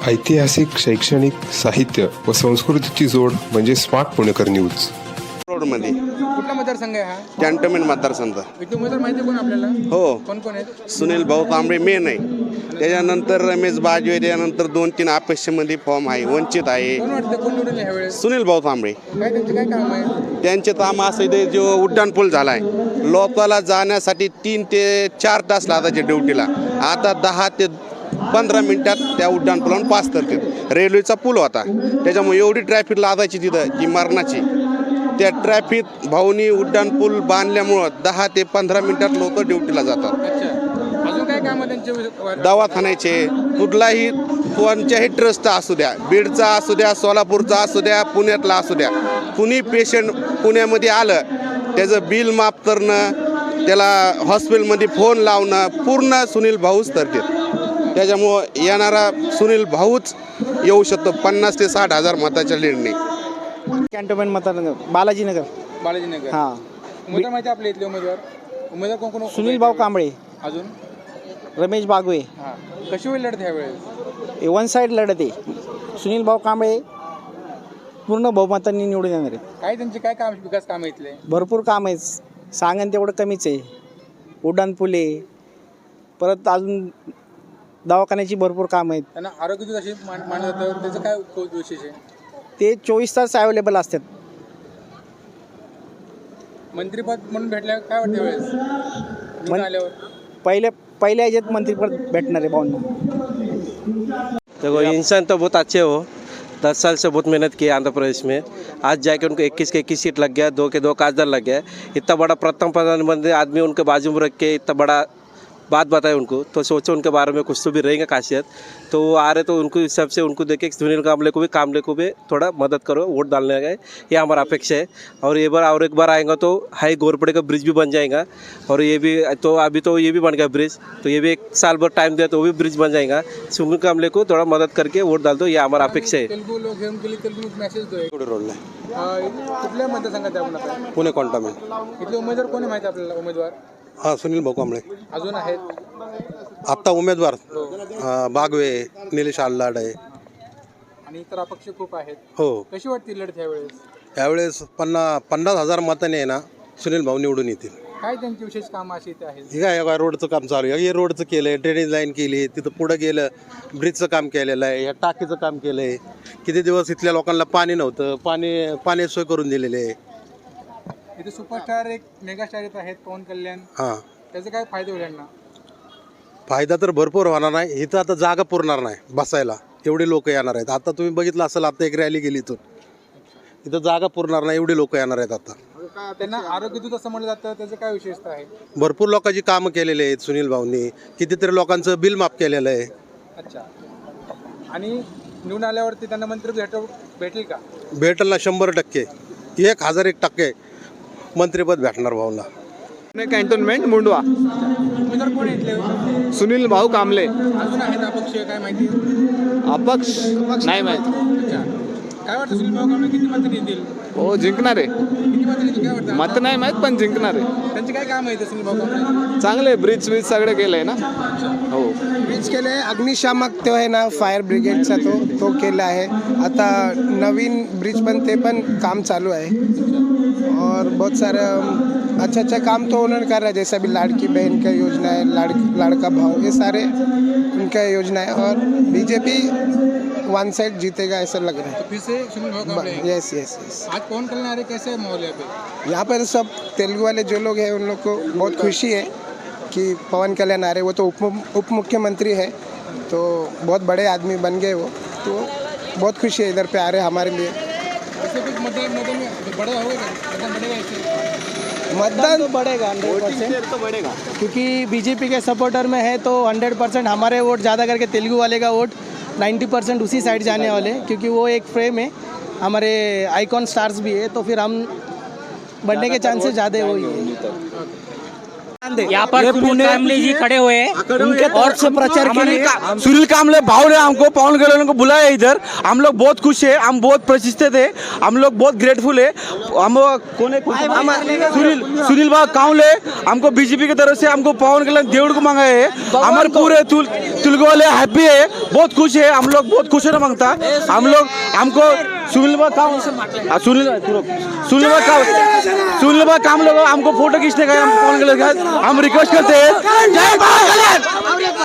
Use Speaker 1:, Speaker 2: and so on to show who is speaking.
Speaker 1: ऐतिहासिक, शैक्षणिक, साहित्य व संस्कृतीची जोड म्हणजे स्मार्ट पुणेकर न्यूज.
Speaker 2: रोडमध्ये
Speaker 3: कुठला मतदारसंघ आहे हा?
Speaker 2: कॅन्टोन्मेंट मतदारसंघ.
Speaker 3: इथे उमेदवार माहिती आहे कोण आपल्याला?
Speaker 2: हो,
Speaker 3: कोण कोण आहेत?
Speaker 2: सुनील भाऊ कांबळे मेन आहे. त्याच्यानंतर रमेश बाजवे, त्याच्यानंतर 2-3 अपेक्षेमध्ये फॉर्म आहे. वंचित आहे.
Speaker 3: कोण वाटतं कोण निवडून ह्या वेळेस?
Speaker 2: सुनील भाऊ कांबळे.
Speaker 3: काय त्यांचे काय काम आहे?
Speaker 2: त्यांचे काम असं इथे जो उड्डाण पूल झाला आहे, लोकाला जाण्यासाठी 3 ते 4 तास लागायचे ड्युटीला. आता 10 ते 15 मिनिटात त्या उड्डाण पुलावरून पास करतात. रेल्वेचा पूल होता, त्याच्यामुळे एवढी ट्रॅफिक लागायची तिथं की मरणाची. त्या ट्रॅफिक भाऊनी उड्डाण पूल बांधल्यामुळं 10 ते 15 मिनिटात लोक ड्युटीला जातात.
Speaker 3: अच्छा, अजून काय काम आहे त्यांचे?
Speaker 2: दवाखान्याचे कुठलाही कोणत्याही ट्रस्टचा असू द्या, बीडचा असू द्या, सोलापूरचा असू द्या, पुण्यातला असू द्या, कुणी पेशंट पुण्यामध्ये आलं त्याचं बिल माफ करणं, त्याला हॉस्पिटलमध्ये फोन लावणं पूर्ण सुनील भाऊच करतात. त्याच्यामुळं येणारा सुनील भाऊच येऊ शकतो 50 ते 60 हजार मताच्या लीडने.
Speaker 4: कॅन्टोन्मेंट मतदार बालाजीनगर.
Speaker 3: बालाजीनगर.
Speaker 4: हां,
Speaker 3: उमेदवार माहिती आहे आपले इथले उमेदवार कोण कोण?
Speaker 4: सुनील भाऊ कांबळे,
Speaker 3: अजून
Speaker 4: रमेश बागवे.
Speaker 3: हां, कशी होईल लढत ह्या वेळेस?
Speaker 4: वन साईड लढत आहे. सुनील भाऊ कांबळे पूर्ण बहुमतांनी निवडून येणार आहेत.
Speaker 3: काय त्यांचे काय काम, विकास काम आहे इथले?
Speaker 4: भरपूर काम आहे, सांगन तेवढं कमीच आहे. उड्डाण पुले, परत अजून दवाखान्याची भरपूर काम आहेत.
Speaker 3: त्यांना आरोग्य दूत अशी मानलं जातं, त्याचं काय विशेष आहे? ते
Speaker 4: ते 24 तास अवेलेबल असतात.
Speaker 3: मंत्रीपद म्हणून भेटल्या काय वाटतं वेळेस निवडून आल्यावर?
Speaker 4: पहिल्या ह्याच्यात मंत्रीपद भेटणार आहे भाऊंना.
Speaker 5: देखो इंसान तो बहुत अच्छे हो, 10 साल से बहुत मेहनत की है आंध्र प्रदेश में. आज जाके उनको 21 के 21 सीट लग गया, 2 के 2 काजदार लग गया. इतना बड़ा प्रथम प्रधानमंत्री आदमी उनके बाजू में रख के इतना बड़ा बात बताए उनको, तो सोचो उनके बारे में कुछ तो भी रहेंगे खासियत. तो वो आ रहे तो उनको हिसाब से उनको देखे सुनील कांबळे को भी थोड़ा मदद करो, वोट डालने का ये हमारा अपेक्षा है. और ये बार और एक बार आएगा तो हाई गोरपड़े का ब्रिज भी बन जाएगा. और ये भी तो अभी तो ये भी बन गया ब्रिज, तो ये भी 1 साल भर टाइम दिया तो वो भी ब्रिज बन जाएगा. सुनील कांबळे को थोड़ा मदद करके वोट डाल दो, ये हमारा अपेक्षा है.
Speaker 3: तेलुगू लोक घेऊन गेले, तेलुगू मेसेज दो.
Speaker 2: रोडला
Speaker 3: कुठल्या मतदारसंघात आहे आपण आता?
Speaker 2: पुणे कॉन्टोन्मेंट.
Speaker 3: इथले उमेदवार कोण आहे माहिती आपल्याला? उमेदवार
Speaker 2: हा, सुनील भाऊ कांबळे.
Speaker 3: अजून आहेत?
Speaker 2: आत्ता उमेदवार बागवे, निलेश आल्लाड आहे.
Speaker 3: आणि इतर अपक्ष खूप आहेत.
Speaker 2: हो,
Speaker 3: कशी वाटते लढत ह्या वेळेस?
Speaker 2: यावेळेस 50,000 मताने आहे ना सुनील भाऊ निवडून येतील.
Speaker 3: काय त्यांची विशेष कामं अशी इथे आहेत?
Speaker 2: हे काय रोडचं काम चालू आहे. हे रोडचं केलं आहे, ड्रेनेज लाईन केली, तिथं पुढं गेलं ब्रिजचं काम केलेलं आहे, या टाकीचं काम केलं आहे. किती दिवस इथल्या लोकांना पाणी नव्हतं, पाणी सोय करून दिलेली आहे.
Speaker 3: इथे सुपरस्टार एक मेगास्टार येत आहेत, पवन कल्याण.
Speaker 2: हां,
Speaker 3: त्याचे काय फायदे होईल यांना?
Speaker 2: फायदा तर भरपूर होणार नाही. इथं आता जागा पुरणार नाही बसायला, एवढे लोक येणार आहेत. आता तुम्ही बघितलं असेल, आता एक रॅली गेली इथं जागा पुरणार नाही, एवढे लोक येणार आहेत. आता
Speaker 3: त्यांना आरोग्य दूत असं म्हणलं जातं, त्याचं काय विशेषता आहे?
Speaker 2: भरपूर लोकांची कामं केलेली आहेत सुनील भाऊंनी. कितीतरी लोकांचं बिल माफ केलेलं आहे.
Speaker 3: अच्छा, आणि निवडून आल्यावरती त्यांना मंत्रिपद भेटेल का?
Speaker 2: भेटेल ना, 100%. 1001% मंत्रिपद भेटणार भाऊला.
Speaker 6: कॅन्टोन्मेंट मुंडवा.
Speaker 3: उमेदवार कोण आहेत इथले?
Speaker 6: सुनील भाऊ कांबळे.
Speaker 3: अजून आहेत अपक्ष, काय माहिती?
Speaker 6: अपक्ष नाही माहिती.
Speaker 3: अच्छा, काय वाटतं सुनील भाऊ कांबळे किती मंत्री येतील?
Speaker 6: हो, जिंकणार आहे.
Speaker 3: किती मंत्री येतील काय वाटतं?
Speaker 6: मत नाही माहीत, पण जिंकणार आहे.
Speaker 3: त्यांचे काय काम आहे इथे सुनील भाऊ कांबळे?
Speaker 6: चांगले ब्रिज वीज सगळं केलंय ना. हो,
Speaker 7: ब्रिज केले, अग्निशामक तो आहे ना, फायर ब्रिगेडचा तो केला आहे. आता नवीन ब्रिज पण ते पण काम चालू है. और बहुत सारे अच्छा काम तो उन्होंने कर रहा है, जैसा भी लाड़की बहन का योजना है, लाड़का भाव, ये सारे उनका योजना है. और बीजेपी वन साइड जीतेगा ऐसा लग रहा है.
Speaker 3: तो फिर से सुनील भाऊ कांबळे?
Speaker 7: Yes yes yes.
Speaker 3: आज पवन कल्याण आ रहे, कैसे है माहौल
Speaker 7: यहाँ पर सब तेलुगु वाले जो लोग हैं उन लोग को बहुत खुशी है कि पवन कल्याण आ रहे. वो तो उप मुख्यमंत्री है, तो बहुत बड़े आदमी बन गए वो, तो बहुत खुशी है इधर पे आ रहे हमारे लिए.
Speaker 4: मतदान तो बढ़ेगा 100%,
Speaker 6: तो बढ़ेगा.
Speaker 4: क्योंकि बीजेपी के सपोर्टर में है तो 100% हमारे वोट ज़्यादा करके तेलुगु वाले का वोट 90% उसी साइड जाने वाले, क्योंकि वो एक फ्रेम है, हमारे आइकॉन स्टार्स भी है, तो फिर हम बढ़ने के चांसेस ज़्यादा वही है.
Speaker 8: यहाँ पर सुनील कामले जी खड़े हुए हैं
Speaker 7: उनके तरफ से प्रचार के लिए
Speaker 9: सुनील कामले भाव ने हमको पवन कल्याण को बुलाया इधर। हम लोग बहुत खुश है, हम बहुत प्रतिष्ठित है, हम लोग बहुत ग्रेटफुल है। हम कौन है सुनील भाव कामले हमको बीजेपी की तरफ से हमको पवन कल्याण देवड़ को मंगाए है। हमारे पूरे तेलुगु वाले हैप्पी है, बहुत खुश है, हम लोग बहुत खुश है मांगता हम लोग। हमको सुनील भाव काम लोग हमको फोटो खींचने का हम पवन कल्याण हम रिक्वेस्ट करते हैं। जय पवन कल्याण।